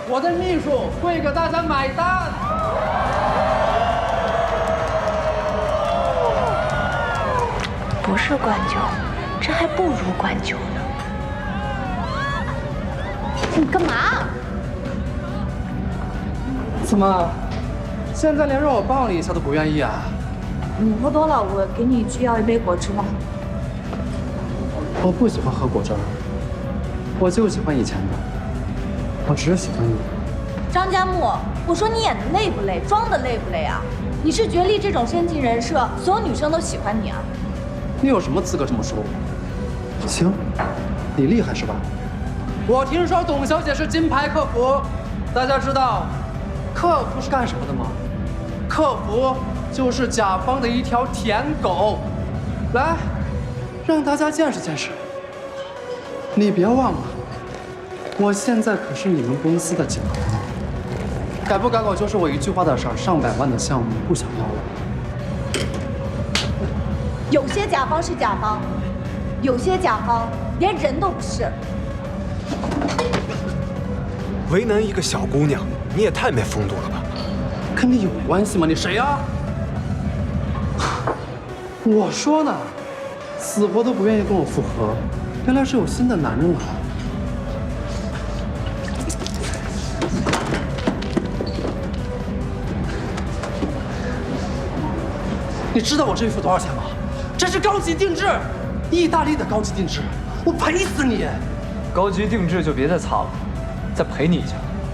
我的秘书会给大家买单。 不是灌酒，这还不如灌酒呢。你干嘛？ 怎么，现在连让我抱你一下都不愿意啊？ 你喝多了，我给你去要一杯果汁吧。 我不喜欢喝果汁儿，我就喜欢以前的，我只喜欢你。 张佳木，我说你演的累不累，装的累不累啊？你是觉力这种深情人设，所有女生都喜欢你啊？ 你有什么资格这么说我？行，你厉害是吧？我听说董小姐是金牌客服，大家知道客服是干什么的吗？客服就是甲方的一条舔狗。来，让大家见识见识。你别忘了，我现在可是你们公司的甲方，改不改口就是我一句话的事儿，上百万的项目不想要了。 有些甲方是甲方，有些甲方连人都不是。 为难一个小姑娘，你也太没风度了吧？ 跟你有关系吗？你谁呀？我说呢，死活都不愿意跟我复合，原来是有新的男人了。你知道我这衣服多少钱吗？这是高级定制，意大利的高级定制，我赔死你！ 高级定制就别再擦了，再赔你一下。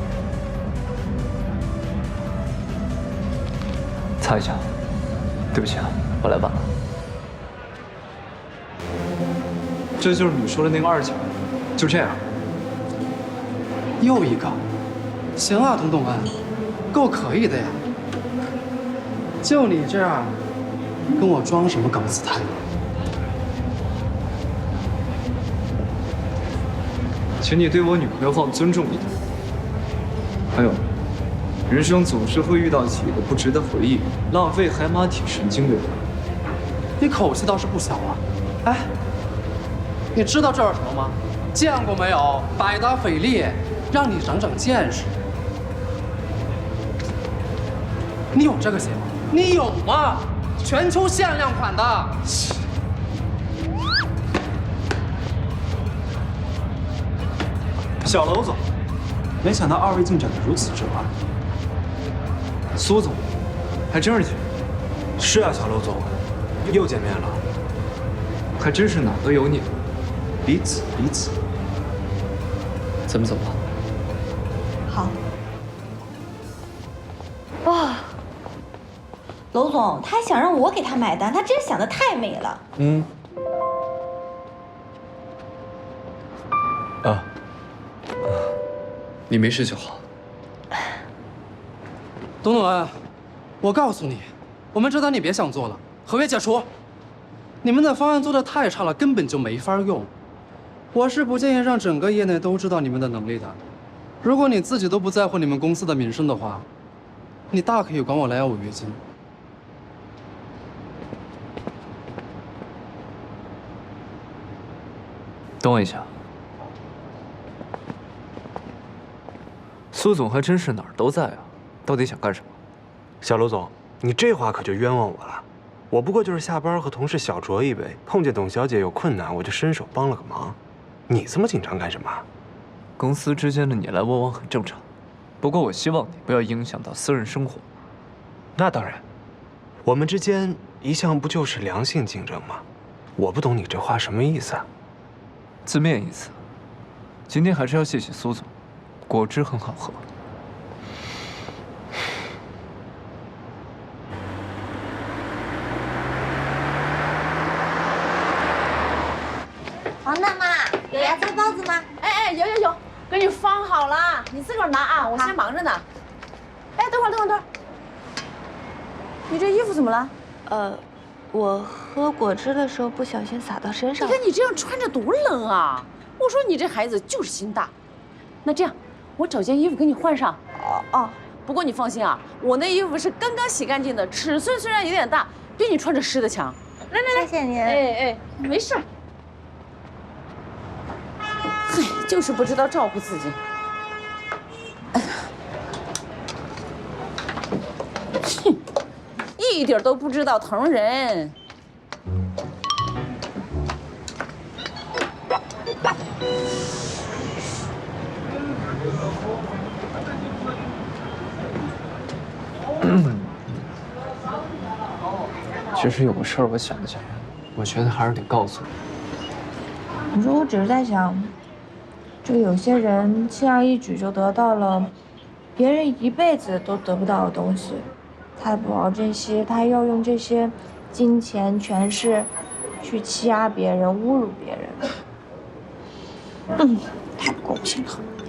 擦一下，对不起啊，我来晚了。这就是你说的那个2姐，就这样。 又一个，行啊，董董恩，够可以的呀。就你这样，跟我装什么高姿态？ 请你对我女朋友放尊重一点。还有，人生总是会遇到几个不值得回忆、浪费海马体神经的人。 你口气倒是不小啊！哎，你知道这是什么吗？见过没有？百达翡丽，让你长长见识。你有这个鞋吗？你有吗？全球限量款的。 小楼总，没想到2位进展得如此之快。 苏总，还真是姐。 是啊，小楼总，又见面了。 还真是哪都有你。 彼此彼此。 咱们走吧。 好。哇，娄总，他还想让我给他买单，他真想得太美了。 嗯。啊。你没事就好。 董董恩，我告诉你，我们这单你别想做了，合约解除。你们的方案做得太差了，根本就没法用。我是不建议让整个业内都知道你们的能力的。如果你自己都不在乎你们公司的名声的话，你大可以管我来要违约金。 等我一下。苏总还真是哪儿都在啊，到底想干什么？ 小楼总，你这话可就冤枉我了。我不过就是下班和同事小酌一杯，碰见董小姐有困难，我就伸手帮了个忙。你这么紧张干什么？ 公司之间的你来我往很正常，不过我希望你不要影响到私人生活。 那当然，我们之间一向不就是良性竞争吗？我不懂你这话什么意思啊？ 字面意思。今天还是要谢谢苏总，果汁很好喝。 王大妈，有芽菜包子吗？ 哎，有，给你放好了，你自个儿拿啊，我先忙着呢。哎，等会儿，你这衣服怎么了？ 我喝果汁的时候不小心洒到身上了。 你看你这样穿着多冷啊！我说你这孩子就是心大。那这样，我找件衣服给你换上。哦，不过你放心啊，我那衣服是刚刚洗干净的，尺寸虽然有点大，比你穿着湿的强。来， 谢谢您。 哎，没事。哎，就是不知道照顾自己。哎呀， 哼，一点都不知道疼人。 其实有个事儿我想起来，我觉得还是得告诉你。 你说我只是在想，这个有些人轻而易举就得到了别人一辈子都得不到的东西，他也不好珍惜，他要用这些金钱、权势去欺压别人、侮辱别人，太不公平了。